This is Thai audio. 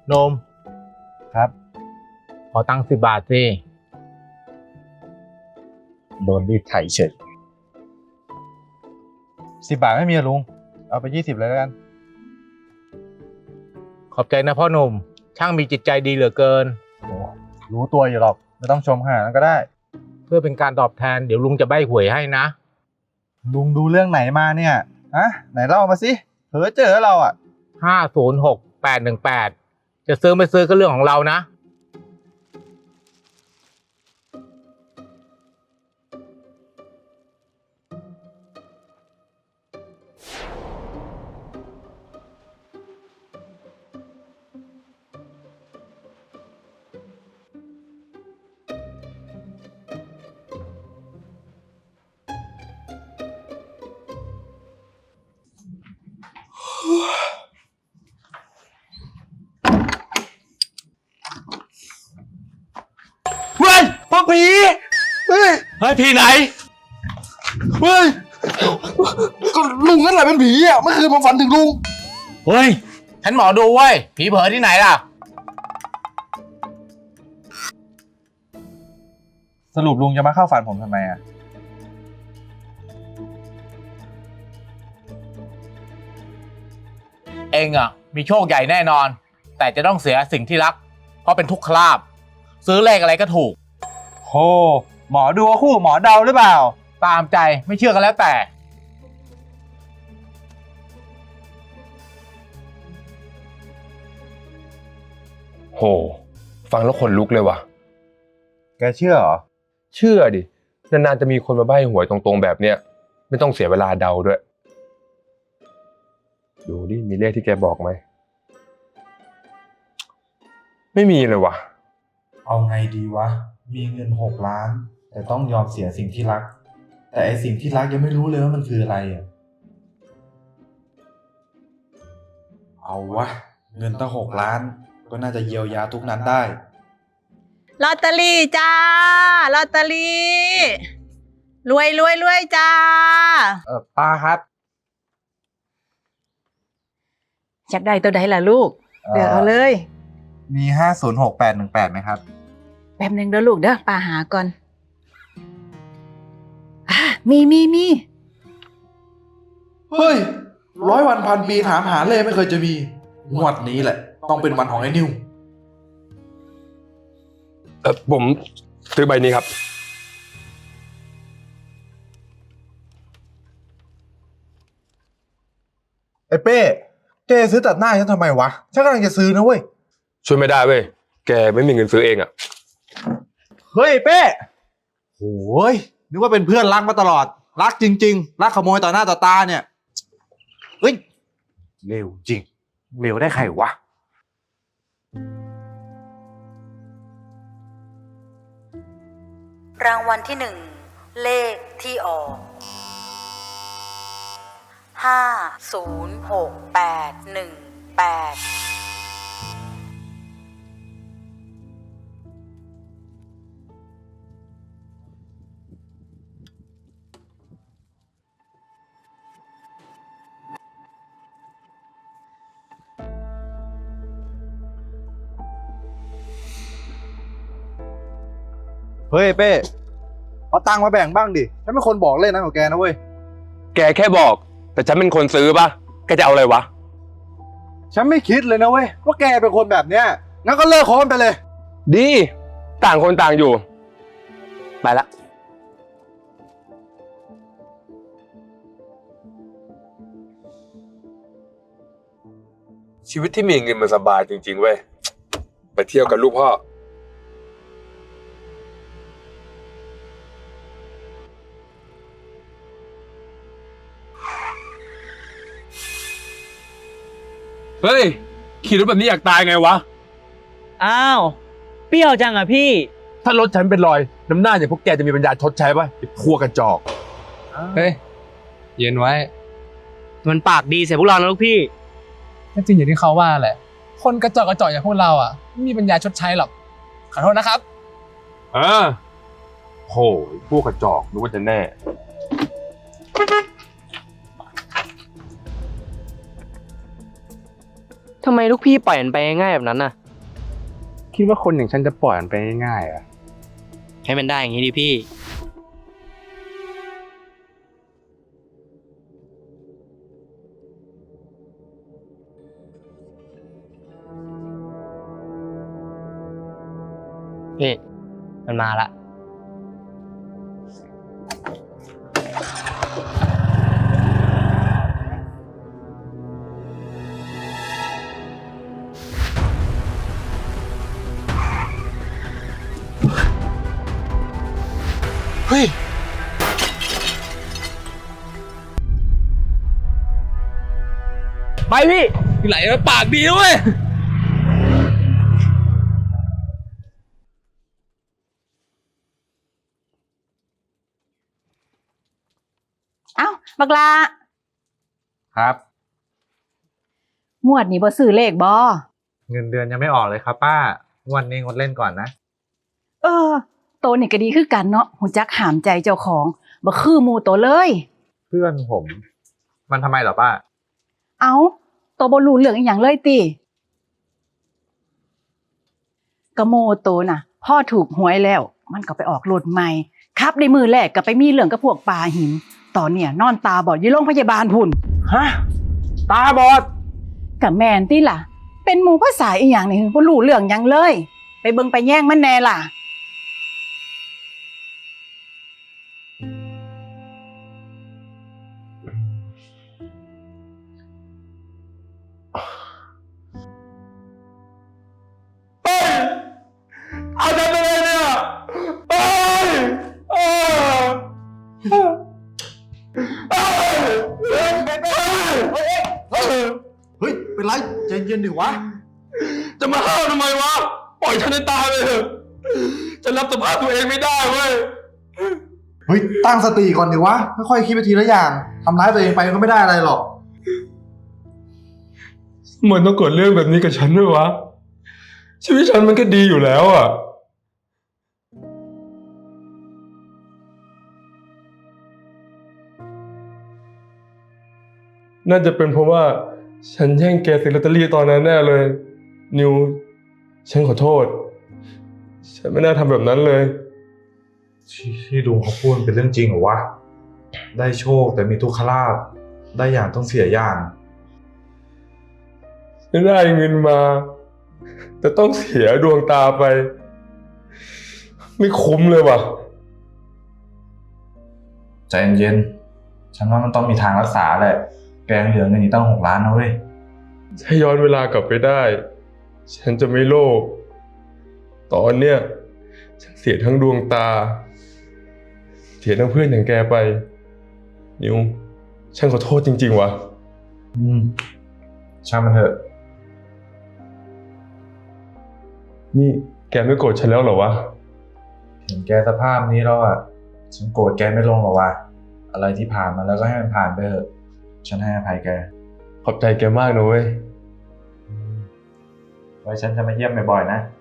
นมครับขอตังค์10 บาทสิโดนรีดไถเฉย10 บาทไม่มีลุงเอาไป20เลยแล้วกันขอบใจนะพ่อหนุ่มช่างมีจิตใจดีเหลือเกินโอ้รู้ตัวอยู่หรอกไม่ต้องชมขนาดนั้นก็ได้เพื่อเป็นการตอบแทนเดี๋ยวลุงจะใบ้หวยให้นะลุงดูเรื่องไหนมาเนี่ยไหนเล่ามาสิเผลอเจอเรา 506818จะซื้อไม่ซื้อก็เรื่องของเรานะเฮ้ยพ่อผีเฮ้ยผีไหนเฮ้ยก็ลุงนั่นแหละเป็นผีอ่ะเมื่อคืนผมฝันถึงลุงเฮ้ยฉันหมอดูเว้ยผีเผลอที่ไหนล่ะสรุปลุงจะมาเข้าฝันผมทำไมเองมีโชคใหญ่แน่นอนแต่จะต้องเสียสิ่งที่รักเพราะเป็นทุกขลาภซื้อเลขอะไรก็ถูกโหหมอดูคู่หมอเดาหรือเปล่าตามใจไม่เชื่อกันแล้วแต่โหฟังแล้วขนลุกเลยว่ะแกเชื่อเหรอเชื่อดินานๆจะมีคนมาใบ้หวยตรงๆแบบเนี้ยไม่ต้องเสียเวลาเดาด้วยดูดิมีเลขที่แกบอกไหมไม่มีเลยว่ะเอาไงดีวะมีเงิน6 ล้านแต่ต้องยอมเสียสิ่งที่รักแต่ไอสิ่งที่รักยังไม่รู้เลยว่ามันคืออะไรเอาวะเงินตั้ง6 ล้านก็น่าจะเยียวยาทุกนั้นได้ลอตเตอรี่จ้าลอตเตอรี่รวยจ้าป้าครับอยากได้ตัวใดล่ะลูกเลือกเอาเลยมี506818ไหมครับแป๊บนึงเด้อลูกเด้อป้าหาก่อนมีเฮ้ย100 วันพันปีถามหาเลยไม่เคยจะมีงวดนี้แหละต้องเป็นวันของไอ้นิวผมซื้อใบนี้ครับไอ้เป้แกซื้อตัดหน้าฉันทำไมวะฉันกำลังจะซื้อนะเว้ยช่วยไม่ได้เว้ยแกไม่มีเงินซื้อเองเฮ้ยเป้โอ้ยนึกว่าเป็นเพื่อนรักมาตลอดรักจริงๆรักขโมยต่อหน้าต่อตาเนี่ยเฮ้ยเร็วจริงเร็วได้ใครวะรางวัลที่1เลขที่ออก506818 เฮ้ยเป้เอาตังค์มาแบ่งบ้างดิฉันเป็นคนบอกเล่นนะของแกนะเว้ยแกแค่บอกแต่ฉันเป็นคนซื้อป่ะแกจะเอาอะไรวะฉันไม่คิดเลยนะเว้ยว่าแกเป็นคนแบบเนี้ยงั้นก็เลิกคบไปเลยดีต่างคนต่างอยู่ไปละชีวิตที่มีเงินมันสบายจริงๆเว้ยไปเที่ยวกับลูกพ่อเฮ้ยขี่รถแบบนี้อยากตายไงวะอ้าวเปรี้ยวจังอ่ะพี่ถ้ารถฉันเป็นรอยน้ำหน้าอย่างพวกแกจะมีปัญญาชดใช้ป่ะไอ้พวกกระจอกเฮ้ยเย็นไว้มันปากดีใส่พวกเรานะลูกพี่ก็จริงอย่างที่เขาว่าแหละคนกระจอกอย่างพวกเราไม่มีปัญญาชดใช้หรอกขอโทษนะครับโหพวกกระจอกนึกว่าจะแน่ทำไมลูกพี่ปล่อยมันไปง่ายแบบนั้นน่ะคิดว่าคนอย่างฉันจะปล่อยมันไปง่ายๆอ่ะให้มันได้อย่างนี้ดิพี่ พี่มันมาละเฮ้ยไปพี่ไหลมาปากดีด้วยเอ้าบักลาครับงวดนี้บ่ซื้อเลขบ่เงินเดือนยังไม่ออกเลยครับป้างวันนี้งดเล่นก่อนนะเออ โตนี่ก็ดีคือกันเนาะหูจักหามใจเจ้าของบ่คือหมู่โตเลยเพื่อนผม มันทำไมเหรอป้าเอ้าโตบ่รู้เรื่องอีหยังเลยติกะโมโตน่ะพ่อถูกหวยแล้ว มันก็ไปออกรถใหม่ครับในมือแรกก็ไปมีเรื่องกับพวกปลาหิน ตอนเนี่ยนอนตาบอดอยู่โรงพยาบาลพุ่นฮะ ตาบอดกับแม่นติล่ะ เป็นหมู่ภาษาอีหยังนี่บ่รู้เรื่องหยังเลย ไปเบิ่งไปแย่งมันแน่ล่ะเอาฉันไปเลยเนี่ยไปเฮ้ย เป็นไรใจเย็นดิวะจะมาห้ามทำไมวะ ปล่อยฉันให้ตายไปเถอะฉันรับสภาพตัวเองไม่ได้เว้ยเฮ้ย ตั้งสติก่อนดิวะ ค่อยๆคิดไปทีละอย่าง ทำร้ายตัวเองไปก็ไม่ได้อะไรหรอกมันต้องเกิดเรื่องแบบนี้กับฉันด้วยวะ ชีวิตฉันมันก็ดีอยู่แล้วอ่ะ น่าจะเป็นเพราะว่าฉันแย่งแกซื้อลอตเตอรี่ตอนนั้นแน่เลย นิว ฉันขอโทษ ฉันไม่น่าทำแบบนั้นเลยที่ลุงเขาพูดเป็นเรื่องจริงเหรอวะ ได้โชคแต่มีทุกขลาภได้อย่างต้องเสียอย่างฉันได้เงินมา แต่ต้องเสียดวงตาไป ไม่คุ้มเลยว่ะใจเย็นๆฉันว่ามันต้องมีทางรักษาแหละ แกยังเหลือเงินอีกตั้ง6 ล้านนะเว้ยถ้าย้อนเวลากลับไปได้ ฉันจะไม่โลภตอนเนี้ยฉันเสียทั้งดวงตา เสียทั้งเพื่อนอย่างแกไป นิว ฉันขอโทษจริงๆว่ะช่างมันเถอะนี่แกไม่โกรธฉันแล้วเหรอวะเห็นแกสภาพนี้แล้วอ่ะ ฉันโกรธแกไม่ลงหรอกวะอะไรที่ผ่านมาแล้วก็ให้มันผ่านไปเถอะ ฉันให้อภัยแกขอบใจแกมากนะเว้ยไว้ฉันจะมาเยี่ยมบ่อยๆนะ